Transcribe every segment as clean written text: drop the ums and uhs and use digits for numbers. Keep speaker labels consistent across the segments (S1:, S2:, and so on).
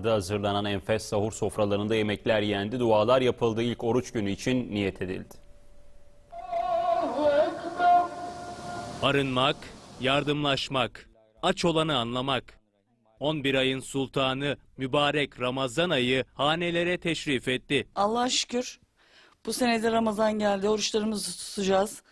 S1: Ankara'da hazırlanan enfes sahur sofralarında yemekler yendi, dualar yapıldı. İlk oruç günü için niyet edildi.
S2: Arınmak, yardımlaşmak, aç olanı anlamak. 11 ayın sultanı mübarek Ramazan ayı hanelere teşrif etti.
S3: Allah'a şükür bu sene de Ramazan geldi. Oruçlarımızı tutacağız.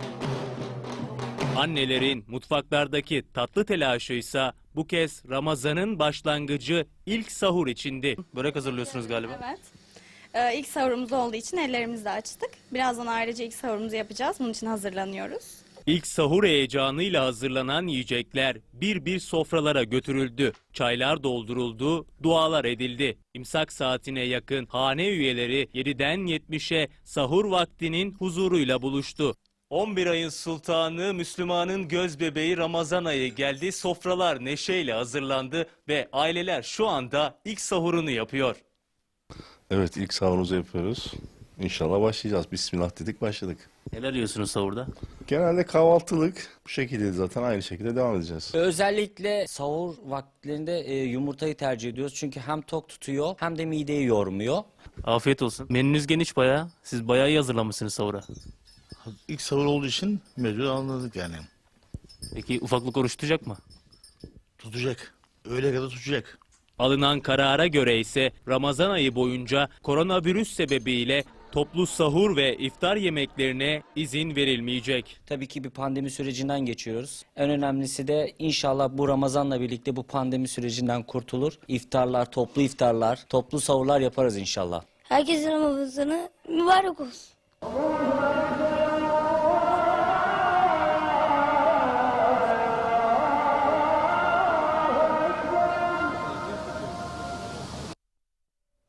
S2: Annelerin mutfaklardaki tatlı telaşıysa bu kez Ramazan'ın başlangıcı ilk sahur içindi. Börek hazırlıyorsunuz galiba.
S4: Evet. İlk sahurumuz olduğu için ellerimizi de açtık. Birazdan ayrıca ilk sahurumuzu yapacağız. Bunun için hazırlanıyoruz.
S2: İlk sahur heyecanıyla hazırlanan yiyecekler bir bir sofralara götürüldü. Çaylar dolduruldu, dualar edildi. İmsak saatine yakın hane üyeleri 7'den 70'e sahur vaktinin huzuruyla buluştu. 11 ayın sultanı, Müslümanın göz bebeği Ramazan ayı geldi. Sofralar neşeyle hazırlandı ve aileler şu anda ilk sahurunu yapıyor.
S5: Evet, ilk sahurumuzu yapıyoruz. İnşallah başlayacağız. Bismillah dedik, başladık.
S2: Neler yiyorsunuz sahurda?
S5: Genelde kahvaltılık bu şekilde, zaten aynı şekilde devam edeceğiz.
S6: Özellikle sahur vakitlerinde yumurtayı tercih ediyoruz. Çünkü hem tok tutuyor hem de mideyi yormuyor.
S2: Afiyet olsun. Menünüz geniş bayağı. Siz bayağı iyi hazırlamışsınız sahura.
S7: İlk sahur olduğu için mecbur anladık yani.
S2: Peki ufaklık oruç tutacak mı?
S7: Tutacak. Öğle kadar tutacak.
S2: Alınan karara göre ise Ramazan ayı boyunca koronavirüs sebebiyle toplu sahur ve iftar yemeklerine izin verilmeyecek.
S6: Tabii ki bir pandemi sürecinden geçiyoruz. En önemlisi de inşallah bu Ramazan'la birlikte bu pandemi sürecinden kurtulur. İftarlar, toplu sahurlar yaparız inşallah.
S8: Herkesin Ramazan'ı mübarek olsun.